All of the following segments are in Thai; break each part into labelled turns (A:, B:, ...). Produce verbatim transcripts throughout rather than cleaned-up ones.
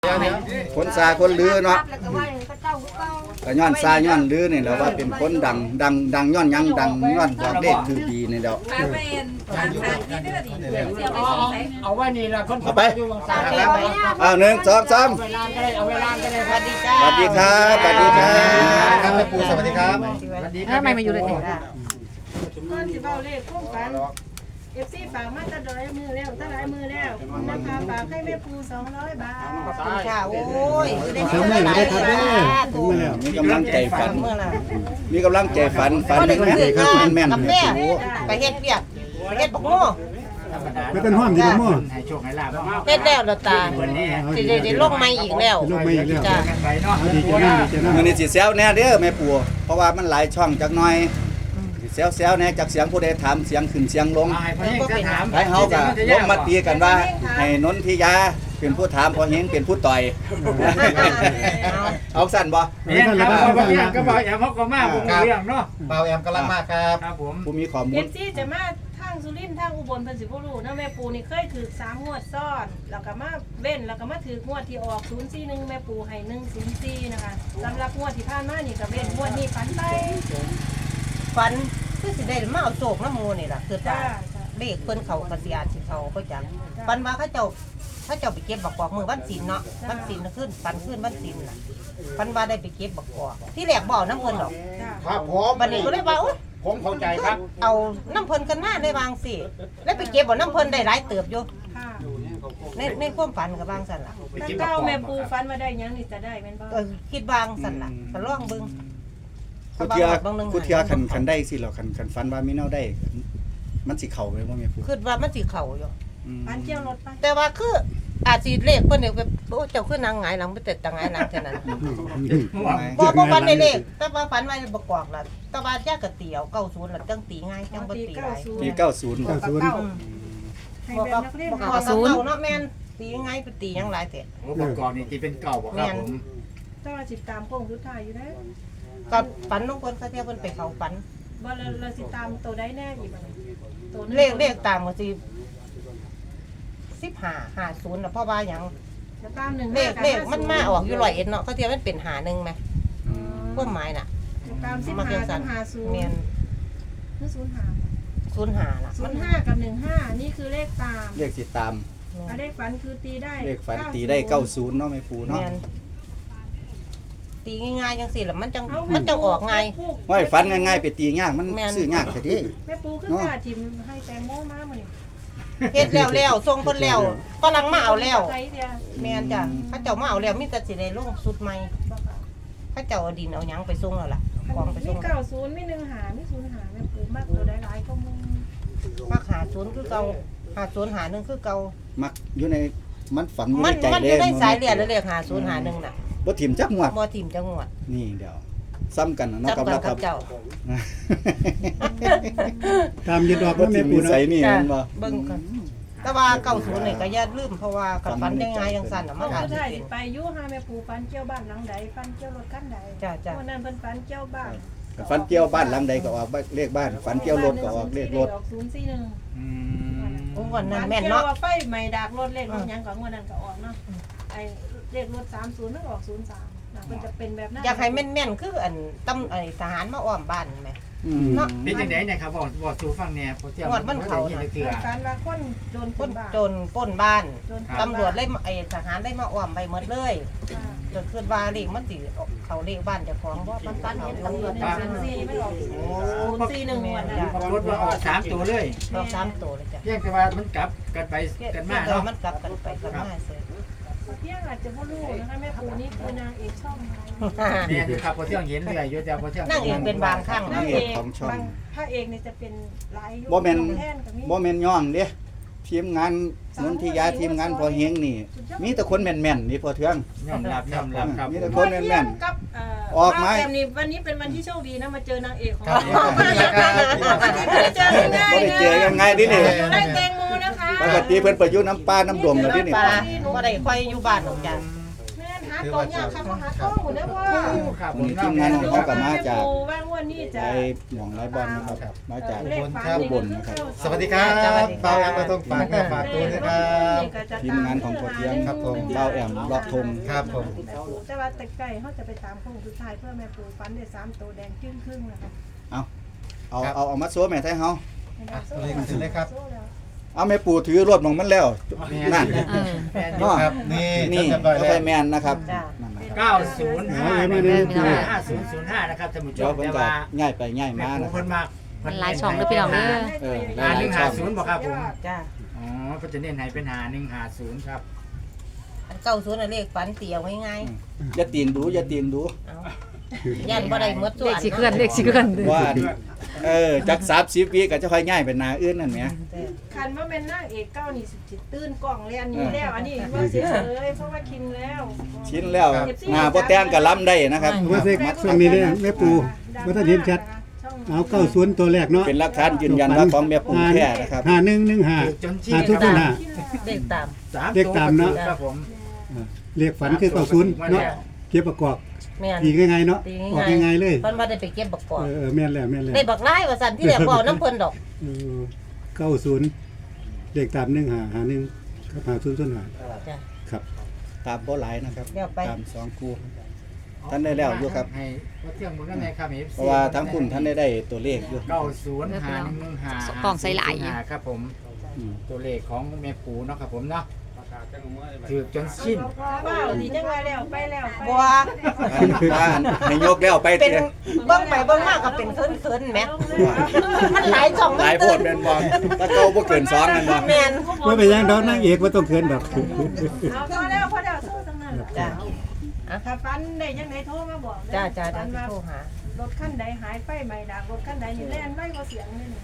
A: คนซาคนลือเนาะก็ย้อนซาย้อนลือนี่แหละว่าเป็นคนดังดังดังย้อนยังดังย้อนบอกเลขคือดีนี่เด้อ
B: เอาไว้นี่ละคน
A: เอาไป
B: เอา
A: เอาหนึ่งสองสาม
B: เวลาก็ได้เอาเวลาก็ได้
C: สวัสดีจ้า
A: สวัสดีครับสวัสดีครับ
D: ครับแม่ปูสวัสดีครับ
C: ทำไมมาอยู่เลยเนี่ย
E: ก่อนสิเบาเลขคุ้มกันเอฟซีฝากมาตะดอยมือแล้วตะหลายมือแล้วนะคะฝากให้แม่ปูสองร้อยบาท
C: ขอบคุณค่ะโอ้ย
D: เสริมมือหน่อยได้ครับเด้อถึงมาแล้ว
A: มีกำลังใจฝัน
C: เมื่อไหร่
A: มีกำลังใจฝันฝันแม่นๆครับแม่น
C: กับ
A: ๆ
C: แม่ไปเฮ็ดเปียกไปเฮ็ดบักโม่
D: ไม่เป็นห้อมดีกว่ามั่ว
B: ให้โชคให้ลาบ
C: เฮ็ดแล้วเราตา
B: วันนี้
C: สิได้ได้ลงใหม่อีกแล้ว
D: ลงมาอีกแล้ว
C: จ้า
B: กันไปเนาะ
D: ดีใจนั่งดีใจนั่ง
A: มื้อนี้สิแซวแน่เด้อแม่ปู่เพราะว่ามันหลายช่องจักหน่อยสิแซวๆแน่จากเสียงผู้ใดถามเสียงขึ้นเสียงลง
B: ให้พ่อเฮงก็ถาม
A: ให้เฮาก็ลงมาตีกันว่าให้นนทิยาเป็นผู้ถามพอเฮงเป็นผู้ต่อยเอาสั่นบ่
B: เนี่ยครับพ่อเฮงก็บอกอย่าพ่อก็มาผมเรื่องเนาะ
D: เบาแอมกำลังมากครับ
B: ครับผม
A: ผู้มีข้อมู
E: เอ
A: ล
E: ฟซีจะมาทางสุรินทร์ทางอุบลเพิ่นสิบ่รู้นะแม่ปูนี่เคยถือสามงวดซ้อนแล้วก็มาเว้นแล้วก็มาถืองวดที่ออกศูนย์สี่หนึ่งแม่ปูให้หนึ่งศูนย์สี่นะคะสำหรับงวดที่ผ่านมานี่ก็เว้นงวดนี้ฝันไป
C: ฝันคือสิได้มาเอาโศกน้ำมูนี่ล่ะคือ
E: จ้า
C: ว่าเลขเพิ่นเขากระเสียสิเขาก็จังฝันว่าเขาเจ้าเขาเจ้าไปเก็บบักกอกมือวันศีลเนาะวันศีลขึ้นฝันขึ้นวันศีลน่ะฝันว่าได้ไปเก็บบักกอกที่แรกบ่เอาน้ำเพิ่นดอก
E: จ้า
D: ครับผม
C: บัดนี้ก็เลยว่าโอ๊ย
D: ผมเข้าใจครับ
C: เอาน้ำเพิ่นกันมาได้วางสิแล้วไปเก็บบ่น้ำเพิ่นได้หลายเติบอยู่
E: ค่ะ
C: ในในความฝันกับบางสันล่ะ
E: ถ้าเก้าแม่ปูฝันว่าได้หยังนี่จะได้แม่นบ่
C: เออคิดบางสันล่ะก็ลองเบิ่ง
A: กูเทียกูเทียคันคันได้สิเหรอคันคันฟันว่ามีแนวได้ มันสิเข้าไปบ่แม่ปู่
C: คิดว่ามันสิเข้าอยู่
A: อืม
E: ฝันเกี่ยวรถไป
C: แต่ว่าคืออาจสิเลขเพิ่นเนี่ยแบบโอ้เจ้าคือนางหงายหลังไปแต่ตางหงายหลังเท่านั้นบ่บ่ฝันได้เลขแต่ว่าฝันว่าบ่กอกล่ะแต่ว่าย่ากะเตียวเก้าศูนย์ล่ะจังตีง่ายจังบ่ตีหลาย
A: ปีเก้าสิบ
D: เก้าศูนย์
C: อืม
E: ให้
C: บ่
E: แบบ
C: ก็
E: นักเรียน
C: บ่
E: หา
C: ก็ศูนย์เนาะแม่นตีง่ายไปตีหยังหลายแท้
B: โอ้ประกอบนี่ที่เป็นเก่าบ่ครับผม
E: แต่ว่าสิตามโค้งสุดท้ายอยู่นะ
C: ก็ฝันของเพิ่นเขาเที่ยวเพิ่นไปเข้าฝัน
E: บ่เราเราสิตามตัวใดแน่อีกบัดนี้ตัวนึง
C: เลขเลขตามก็สิสิบห้า ห้าศูนย์น่ะเพราะว่าหยัง
E: แล้วตามหนึ่ง
C: เลขเลขมันมาออกอยู่ร้อยเอ็ดเนาะเขาเทียบมันเป็นหาหนึ่งไหมความหมายน่ะ
E: ตามสิบ
C: มา
E: ห้า
C: เพียงสั
E: กับหาศูนย์
C: เมียน
E: คือศูนย์ห้า
C: ศูนย์หาล่ะ
E: ศู
C: มัน
E: ย์ห้ากับหนึ่งห้านี่คือเลขตาม
A: เลขสิตาม
E: อ่ะเลขฝันคือตีได้
A: เลขฝันตีได้เก้าสิบเนาะแม่ปู่
C: เมี
A: เนาะ
C: ยนตีง่ายๆจังสิล่ะมันจังมันจังออกง่าย
A: ห้อยฝันง่ายๆไปตียากมัน
C: แม่น
A: ซื้อยากซะดิ
E: แม่ปูคือกล้าทิมให้แตงโมมามื้อนี้
C: เฮ็ดแล้วแล้วส่งเพิ่นแล้วฝรั่งมาเอาแล้ว
E: ใครเดียว
C: แม่นจ้ะเขาเจ้ามาเอาแล้วมีแต่สิได้ลงสุดใหม่เขาเจ้าเอาดินเอาหยังไปส่งแล้วล่ะกองไป
E: มี
C: ส่ง
E: เก้าศูนย์มีหนึ่งหามีศูนย์หาแม่ปูมากตัวได้หลายก็มึง
C: มักหาศูนย์คือเก่าหาศูนย์หาหนึ่งคือเก่า
A: มักอยู่ในมันฝันอยู่
C: มั
A: ใน
C: น
A: ใจ
C: มันอ
A: เด้
C: ยู่ในสายเลือดแล้วเลขหาศูนย์หาหนึ่งน่ะ
A: บ่ถิ่มจักงวด
C: บ่ทิ่มจังหวัด
A: นี่เดี๋ยวซ้ำกันนะเนาะ
C: จับ
A: กับ
C: กัน
A: เราค
C: กั
A: รั
C: บบ เจ้า
D: ตามยึดดอก
A: บ่
D: นะแม่
A: ถิ่ม
D: ปู
A: นิ
D: นะ
A: สัยนี่มันบ่
C: เบิ่งกันแต่ว่าเก้าศูนย์นี่ก็อย่าลืมเพราะว่ากับฟันได้ง่ายจังซั่นน่ะ
E: เพ
C: มัน
E: ราะ
C: อาจ
E: สุด
C: สิ
E: ท้าย
C: เป็
E: สิ
C: น
E: ไปอยู่หาแม่ปูฟันเกี่ยวบ้านหลังใดฟันเกี่ยวรถคันใด
C: จ้ะจ้ะ
E: วันนั้นเพิ่นฟันเกี่ยวบ้าน
A: ฝันเกี่ยวบ้านหลังใดก็ออกเลขบ้านฝันเกี่ยวรถก็ออกเลขรถ
E: ออกศูนย์สี่หนึ่ง
B: อืม
C: โอ้วันนั้น
E: ฝั
C: แม่น
E: เกี่ยว
C: เนาะ
E: ว่าไฟใหม่ดากรถเลขรถหยังก็งวดนั้นก็ออกเนาะไอ้เลขรถสามสิบมันออกศูนย์สามนะมันจะเป็นแบบนั้น
C: อยากให้แม่นๆคืออันตำไอ้ทหารมาอ้อมบ้านแม่
A: อืม
C: เนาะ
B: เป็นจังได๋เนี่ยครับบอกบอกสู่ฟังแหน่พอเที่ยว
C: งวดมันเข้าน่ะ
B: เถื่อ
E: การว่าคนโดนค
C: คน
E: นบ้า
C: จนปล้นบ้าน
E: โดน
C: ตำรวจเลยมาไอ้ทหารได้มาอ้อมไปหมดเลย
E: อ่า
C: จนคิดว่าเลขมันสิเขาเลขบ้านเจ้าของบ่มันฟันเห็นตำรวจ
E: หนึ่งศูนย์สี่ไม่ออกศูนย์สี่หนึ่งงวดนั้น
B: รถว่าออกสามตัวเลย
C: รอบสามตัวเลยจ้ะ
B: เรียกแต่ว่ามันกลับกันไปกันมา
C: เนาะ
B: เนาะ
C: มันกลับกันไปกันมาเสีย
E: เที่ยงอาจจะพ่อลูกนะคะแม่ปูนี่คือนางเอกช่องไทย
B: เนี่ยคือครับพอเที่ยงเห็นเรื่อยอยู่แต่พอเที่ยง
C: นั่งเอกเป็นบางครั้ง
E: นา
C: นะ
E: งเอกบางพระเอกเนี่ยจะเป็นหลายยุค
A: บ่แม่น
E: แท่นกับมี
A: บ่แม่นย่องเด้ทีมงานนนทิยาทีมงานพอเฮงนี่ มีแต่คนแม่นๆนี่พอเทือง
B: ยอมรับยอมรับครับ
A: มี
B: ผ
A: แต่
B: ม
A: คนแม่น
E: กับเ
A: ออกไหม
E: บ้านแอนี่วันนี้เป็นวันที่โชคดีนะมาเจอนางเอกของ
D: ครับ
E: เรา
D: ผม
E: วันนี้ไม่ได้เจอง่ายๆ
A: บ่ได้เจอกันง่ายดินี่
E: ได้แตงโมนะคะ
A: ปกติเพิ่นไปอยู่น้ำปลาน้ำดงแล้วดินี่
C: ปลาบ่ได้ค่อยอยู่บ้านหรอกจ้ะ
E: แม่นหาตัวยากค่ะหาท้องหมดแล้วว่า
B: ครับ
A: วันนี้ทีมงานของเขาก็มาจาก
E: ว่างวันนี้จะ
A: ไอหม่องไรบอลนะครับมาจาก
E: เลข
A: อุบลนะครับ
D: สวัสดีครับเบาแอมมาต้องฝากเนื้อฝากตัวนะครับ
A: ทีมงานของพ่อเทียม
D: ครับผม
A: เบ้าแอมเลาะทง
D: ครับผม
E: แต่ว่าแต่ไก่เขาจะไปตามโค้งสุดท้ายเพื่อแม่ปูฟันได้สามตัวแดงครึ่งครึ่งนะคะ
A: เอาเอาเอาเอามาโซ่แม่ไทยเฮา
D: เลขขึ้นเลยครับ
A: เอาแม่ปู่ถือรถของมันแล้วนั่น
B: แม่น
A: เนาะ
D: ครับนี่
A: นี่
D: จำได้
A: ก็
D: แล้
A: ไป
D: ว
A: แมนนะครับนั่นนะครับ
B: เก้าศูนย์ห้า
D: เอาไว้มาเนี่ยปู่
B: ห้าศูนย์ศูนย์ห้านะครับท่านผู้ช
A: เดี๋ยว
B: ม
A: เพิ่น
B: แต่
A: ก็
B: ว่า
A: ง่ายไปง่าย
B: แม่
A: มา
B: ปู
A: นะค
B: เพิ่
A: รับ
B: นมาก
F: มันหลายช่องเด้อพี่น้องเด้อ
A: เออ
B: หาหนึ่งหาศูนย์บอกครับผม
C: จ้า
B: อ๋อเพิ่นจะเน้นให้เป็นหาหนึ่งหาศูนย์ครับ
C: อันเก้าศูนย์น่ะเลขฝันเตียวง่าย
A: อย่าตีนดูอย่าตีนดู
C: ๆเอายันบ่ได้หมดส่
F: เล
C: วน
F: ขสิเคลื่อนเลขสิเคลื่อน
A: ว่าอันเออจักสามสิบวิก็จะค่อยง่ายเป็นหนาอื่นนั่นแหม
E: คันว่าเป็นนางเอกเก้านี่สิตื่นกล่องเลยอันนี้แล้วอันนี้ว่าเฉยๆเพราะว่าคินแล้ว
A: ชิ้นแล้วหน้าบ่แต่งก็ล้ำได้นะครับ
D: ว่าเซ็กช่วงนี้เนี่ยแม่ปูว่าถ้าเห็นชัดเอาเก้าศูนย์ตัวแรกเนาะ
A: เป็นหลักฐานยืนยันว่าของแม่ปู่แท้นะครับ
D: ห้าหนึ่งหนึ่งห้า
B: จนชี้
D: ห้าทุกคนห้า
C: เลขตาม
B: สาม
D: เลขตามเนอะ
B: ครับผม
D: เลขฝันคือเก้าศูนย์เนาะเก็บประกอบ
C: แม่น
D: ตีง่ายๆเนาะ
C: ตี
D: ออก
C: ง่าย
D: ง่ายๆเลย
C: เพิ่นบ่ได้ไปเก็บบักกอก
D: เออแม่นแล้วแม่นแล้ว
C: ได้บักหลายว่าซั่นที่แรกบ่เอาน้ำเพิ่นดอก
D: เก้าศูนย์เลขตามหนึ่งหาหาหนึ่งครับหาศูนย์ศูนย์หา
C: จ้ะ
D: ครับ
A: ตามบ่หลายนะครับ
C: เดี๋ยวไป
A: ตามสองคู่ท่านได้แล้วอยู่ครับ
B: ให้พ่อเที่ยงหมดแล้วไงครับ เอฟซี
A: เพราะว่าทั้งคุณท่านได้ได้ตัวเลขอยู่
B: เก้าศูนย์หาหนึ่งหนึ่งหาก
F: ล่องใส่หลาย
B: หาครับผม
A: อืม
B: ตัวเลขของแม่ปูเนาะครับผมเนาะถือจนสิ้น
E: เปล่าดีจังว่าแล้วไปแล้วไป
C: บ่ว่า
A: ว่าให้ยกแล้วไป
C: เป็น
A: เตี้ย
C: เบิ่งไปเบิ่งมาก็เป็นเคินๆแหมมันหลายช่อง
A: หลายโพดแม่นบ่ถ้าเก่าบ่เกินสองนั่นบ่
C: แม่น
D: ว่าไปยังดอกนางเอกว่าต้องเขินดอก
E: เอาพอแล้วพอแล้วสู้ทั้งนั้น
C: จ้ะ
E: ถ้าฟันได้ยังไงโทรมาบอก
C: จ้าจ้า
E: ฟั
C: จ้าน
E: ว่า
C: โทรหาร
E: ถคันใดหายไฟใหม่ดังรถคันใดนี่แล่นไว้บ่เสียงเลยนี่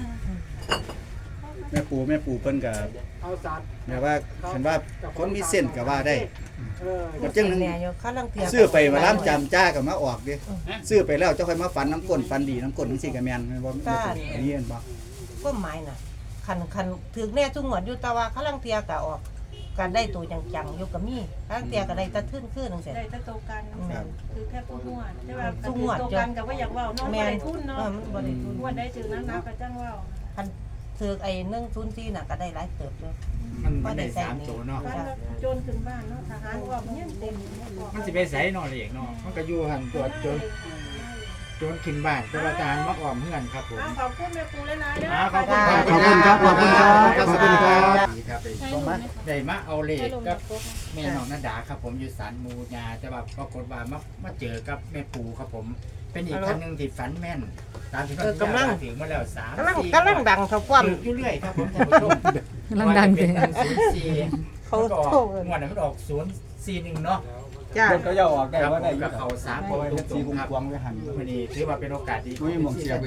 A: แม่ปู่แม่ปู่เพิ่นก็
B: เอาสัตว์
A: แม่ว่าคันว่าคนมีเส้นก็ว่าได้ก็จึง
C: แม่อยู่คั่นลังเทีย
A: ซื้อไปมาล้ำจำจ้าก็มาออกดิซื้อไปแล้วเจ้าค่อยมาฝันน้ำก้นฝันดีน้ำก้นจังซี่ก็แม่นแม่นบ่อันนี้เห็นบ่
C: ก็หมายน่ะคันคันถึงแน่ทุกงวดอยู่แต่ว่าคั่นลังเทียก็ออกการได้ตัวจังๆอยู่ก็มีคั่นลังเทียก็ได้แตะทึ่นขึ้นจังซี่
E: ได้แต่โตกัน
A: ครับ
E: คือแค่พูดนวดแต่ว่า
C: สู้งวด
E: โตกันก็บ่อยากเว้าเนาะบ่
C: แม่น
E: ได้ทุนเนาะ
C: เออมันบ่ได้ทุน
E: นวดได้จือนั้นนับก็จังเว้า
C: คันถือไอ้หนึ่งศูนย์สี่น่ะก็ได้หลายเติบอยู่
B: มันมันได้สามตัวเนาะ
E: ฟันว่าโจรขึ้นบ้านเนาะทหารว่ามันยังเต็ม
B: มันสิไปใส่นอนเองเนาะมันก็อยู่หันตัวจนจนขึ้นบ้านแต่ว่าทหารมาอ้อมเฮือนครับผม
E: อ้าวขอบคุณแม่ปูหลายๆเด้อ
B: อ่าขอบคุณ
D: ขอบคุณครับขอบคุณครับขอบคุณครับ
B: ดีครับได้มาเอาเลขกับแม่น้องนันดาครับผมอยู่ศาลมูญาแต่ว่าปรากฏว่ามามาเจอกับแม่ปูครับผม เป็นอีกคันหนึงที่ฝันแม่นตามที่เขากำลังถึงมาแล้วสาม
C: กำลัง
B: สี่
C: กำลังดังเท่าความ
B: ถืออยู่เรื่อยครับผมท่านผู้ชม
F: กำลังดัง
B: เป็
F: เด้
B: น
F: อ
B: ศูนย์สี่
C: เขา
B: มันก็อ
C: โท
B: อก
C: ร
B: งวดนั้นมันออกศูนย์สี่หนึ่งเนาะ
C: จ้า
A: เพิ่นก็ย่อออกได้
B: ครับ
A: ว่าได้
B: ผม
A: อยู่
B: กับเขาสาม
A: เพ
B: ค
A: ราะ
B: น
A: ว่า
B: ตุ
A: เฮ็ดสี
B: กๆครับ
A: กวางไว้หั่น
B: วันนี้ถือว่าเป็นโอกาสดี
A: อุ้ยหม่องเสียบ